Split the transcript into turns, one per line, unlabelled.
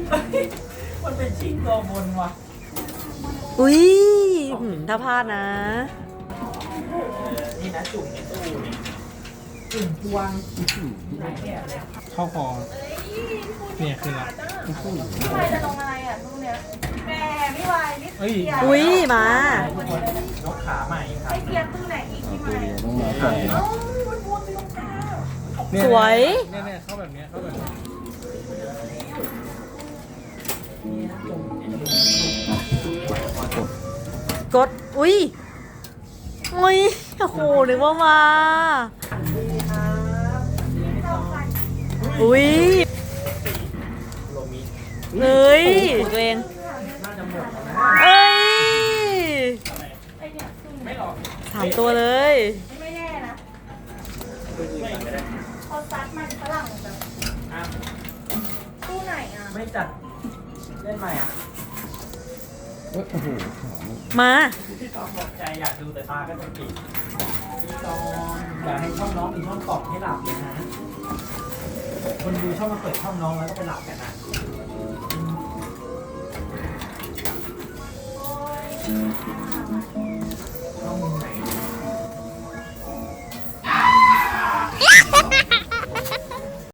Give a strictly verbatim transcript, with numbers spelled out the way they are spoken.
มันเป็นชิงตัวบนว่ะ
อุ้ยหืมถ้าพลาดนะ
นี่นะจุ่มในตู้นี่จุ่มพวงเนี่ย
เข้าคอเนี่ยคือละ
พี่วายจะลงอะไรอ่ะลูกเนี้ยแหมพี่วายนี่
เอ้ย
เกียร์
อุ้ยมา
ทุกคนยกขาใหม่ครับ
ให้เกียร์ตู้ไหนอีกพี่วาย
ต้องรอก่อน
เอ้ามันวนไปตรงกลาง
เนี่ย
สวย
เนี่ยเนี่ยเข้าแบบเนี้ยเข้าแบบเนี้ย
กด อุ้ยอุ้ยโอ้โหนึกว่ามา อุ้ย
โรมิ
เฮ้ยตัวเอง
น่าจะหมดแล้วนะ
เอ้ย
ไอเนี่ยตู้
ไม่หรอก
สามตัวเลย
ไม่แน่นะ
ไม่ไม่ได้
พอซัดมันฝรั่งแบบ
อ่ะ
ตู้ไหนอ่ะ
ไม่จัดเล่นใหม่อ่ะ
เอ้ยโอ้โห
มา
พี่ตองบอกใจอยากดูแต่ตาก็จะปิดพี่ตองอยากให้ช่องน้องมีช่องตอบให้หลับเลยนะ คนดูชอบมาเปิดช่องน้องแล้วก็ไปหลับกันนะช่องไหน